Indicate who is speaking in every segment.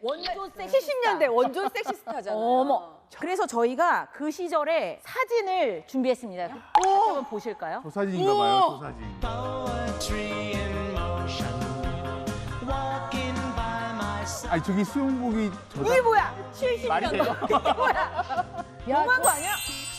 Speaker 1: 원조 섹시스타.
Speaker 2: 70년대 원조 섹시스타잖아요.
Speaker 1: 어머. 그래서 저희가 그 시절에 사진을 준비했습니다. 같이 한번 보실까요?
Speaker 3: 저 사진인가 봐요, 저 사진. 아니 저기 수영복이
Speaker 1: 이게 뭐야?
Speaker 3: 말이 돼요?
Speaker 1: 70년도. 뭐야? 너무한 거 아니야?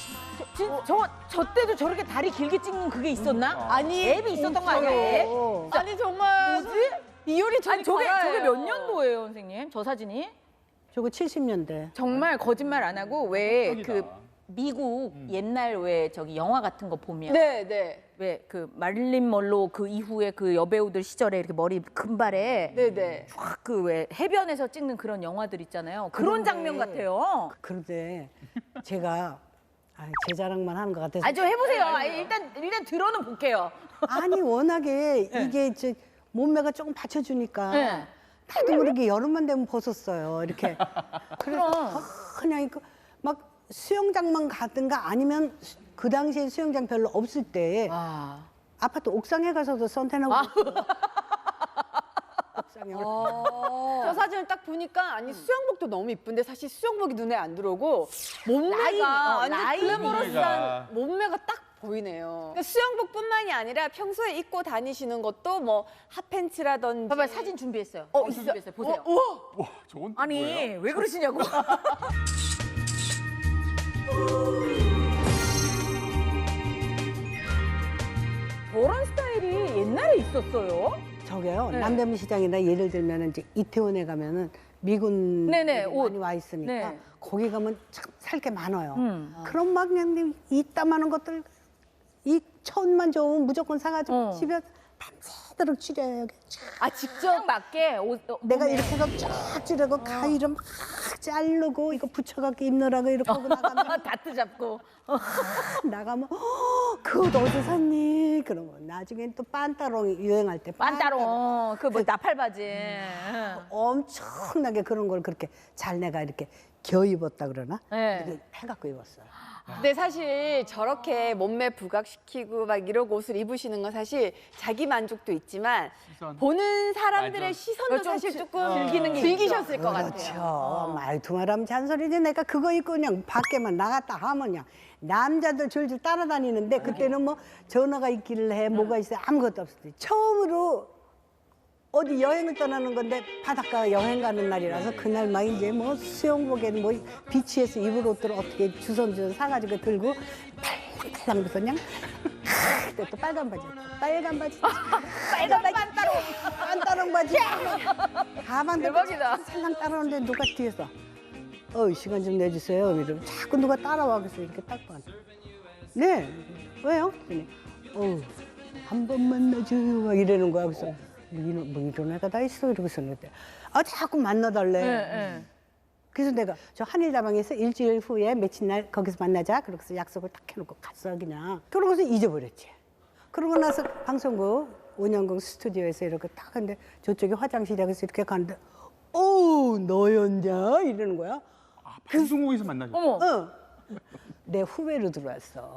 Speaker 1: 저 때도 저렇게 다리 길게 찍는 그게 있었나?
Speaker 2: 아니
Speaker 1: 앱이 있었던 거 아니야? 앱?
Speaker 2: 아니 정말
Speaker 1: 뭐지?
Speaker 2: 이효리
Speaker 1: 아니 저게 몇 년도예요, 선생님? 저 사진이?
Speaker 4: 저거 70년대.
Speaker 1: 정말 거짓말 안 하고 왜 그
Speaker 3: 깜짝이다.
Speaker 1: 미국 옛날 왜 저기 영화 같은 거 보면
Speaker 2: 네네
Speaker 1: 왜 그 마릴린 먼로 그 이후에 그 여배우들 시절에 이렇게 머리 금발에
Speaker 2: 네네.
Speaker 1: 쫙 그 왜 해변에서 찍는 그런 영화들 있잖아요. 그런 장면 같아요.
Speaker 4: 그런데 제가 제 자랑만 하는 것 같아서.
Speaker 1: 좀 해보세요. 일단 들어는 볼게요.
Speaker 4: 아니 워낙에 이게 몸매가 조금 받쳐주니까
Speaker 1: 네.
Speaker 4: 나도 모르게 여름만 되면 벗었어요. 이렇게. 그래서 그냥 막 수영장만 가든가 아니면 그 당시에 수영장 별로 없을 때
Speaker 1: 와.
Speaker 4: 아파트 옥상에 가서도 선탠하고 옥상에
Speaker 2: 저 사진을 딱 보니까 아니 수영복도 너무 이쁜데 사실 수영복이 눈에 안 들어오고 몸매가 완전
Speaker 1: 라인.
Speaker 2: 글래머러스한 몸매가 딱 보이네요. 그러니까 수영복뿐만이 아니라 평소에 입고 다니시는 것도 뭐 핫팬츠라든지.
Speaker 1: 봐봐 사진 준비했어요. 준비했어요. 보세요.
Speaker 3: 와, 저건 또
Speaker 1: 아니
Speaker 3: 뭐예요?
Speaker 1: 왜 그러시냐고. 저런 스타일이 옛날에 있었어요?
Speaker 4: 저게요.
Speaker 1: 네.
Speaker 4: 남대문 시장이나 예를 들면 이제 이태원에 가면은 미군
Speaker 1: 네네,
Speaker 4: 많이
Speaker 1: 옷.
Speaker 4: 와 있으니까
Speaker 1: 네.
Speaker 4: 거기 가면 참 살 게 많아요.
Speaker 1: 아.
Speaker 4: 그런 막 그냥 이따만한 것들 이 천만 좋으면 무조건 사가지고 집에 밤새도록 찌려요.
Speaker 1: 아 직접 맞게 옷.
Speaker 4: 내가 이렇게 해서 쫙 찌르고 가위로 막 자르고 이거 붙여갖고 입느라고 이렇게 하고 나가면
Speaker 1: 다트 잡고.
Speaker 4: 나가면 그거 어디서 샀니? 그러면 나중엔 또 빤따롱 유행할 때
Speaker 1: 빤따롱 그 뭐 나팔 바지.
Speaker 4: 엄청나게 그런 걸 그렇게 잘 내가 이렇게 겨 입었다 그러나?
Speaker 1: 네.
Speaker 4: 이렇게 해갖고 입었어요.
Speaker 2: 근데 사실 저렇게 몸매 부각시키고 막 이러고 옷을 입으시는 건 사실 자기 만족도 있지만
Speaker 3: 시선.
Speaker 2: 보는 사람들의
Speaker 3: 맞아.
Speaker 2: 시선도
Speaker 1: 좀
Speaker 2: 사실 조금
Speaker 1: 즐기는 게
Speaker 2: 즐기셨을 것
Speaker 4: 그렇죠.
Speaker 2: 같아요.
Speaker 4: 말투말하면 잔소리지. 내가 그거 입고 그냥 밖에만 나갔다 하면 그냥 남자들 줄줄 따라다니는데 그때는 뭐 전화가 있기를 해 뭐가 있어 아무것도 없을 때 처음으로 어디 여행을 떠나는 건데 바닷가 여행 가는 날이라서 그날 막 이제 뭐 수영복에는 뭐 비치에서 입을 옷들을 어떻게 주섬주섬 사가지고 들고 팔랑팔랑 해서 그냥 그때 또 빨간 바지 빨간 바지 빤따롱 바지 가방
Speaker 1: 대박이다.
Speaker 4: 살랑 따라오는데 누가 뒤에서 시간 좀 내주세요 이러면 자꾸 누가 따라와 그래서 이렇게 딱 봐. 네 왜요? 그랬더니 한 번만 만나줘요 막 이러는 거야. 그래서 뭐 이런 애가 다 있어 이러고 있었는데 자꾸 만나달래.
Speaker 1: 네.
Speaker 4: 그래서 내가 저 한일다방에서 일주일 후에 며칠 날 거기서 만나자 그러고서 약속을 딱 해놓고 갔어 그냥. 그러고서 잊어버렸지. 그러고 나서 방송국 온영국 스튜디오에서 이렇게 딱 하는데 저쪽에 화장실에 가서 이렇게 가는데 너였냐 이러는 거야.
Speaker 3: 아, 방송국에서 만나셨어요?
Speaker 1: 어머.
Speaker 4: 내 후배로 들어왔어.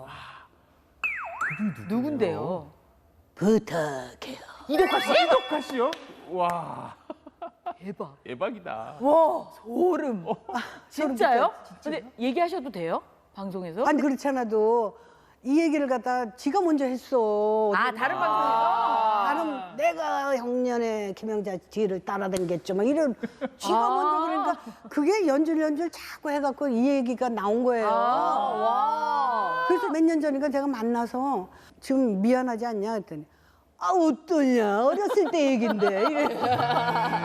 Speaker 1: 누군데요?
Speaker 4: 부탁해요.
Speaker 3: 이덕화 씨요? 와,
Speaker 1: 대박.
Speaker 3: 대박이다.
Speaker 1: 와 소름. 진짜요? 근데 얘기하셔도 돼요? 방송에서?
Speaker 4: 아니 그렇잖아도 이 얘기를 갖다 지가 먼저 했어.
Speaker 1: 다른 방송에서?
Speaker 4: 나는 내가 형년에 김영자 뒤를 따라다녔죠. 막 이런 지가 먼저 그러니까 그게 연줄 자꾸 해갖고 이 얘기가 나온 거예요.
Speaker 1: 와.
Speaker 4: 그래서 몇 년 전인가 제가 만나서 지금 미안하지 않냐 했더니 어떠냐 어렸을 때 얘긴데 이래.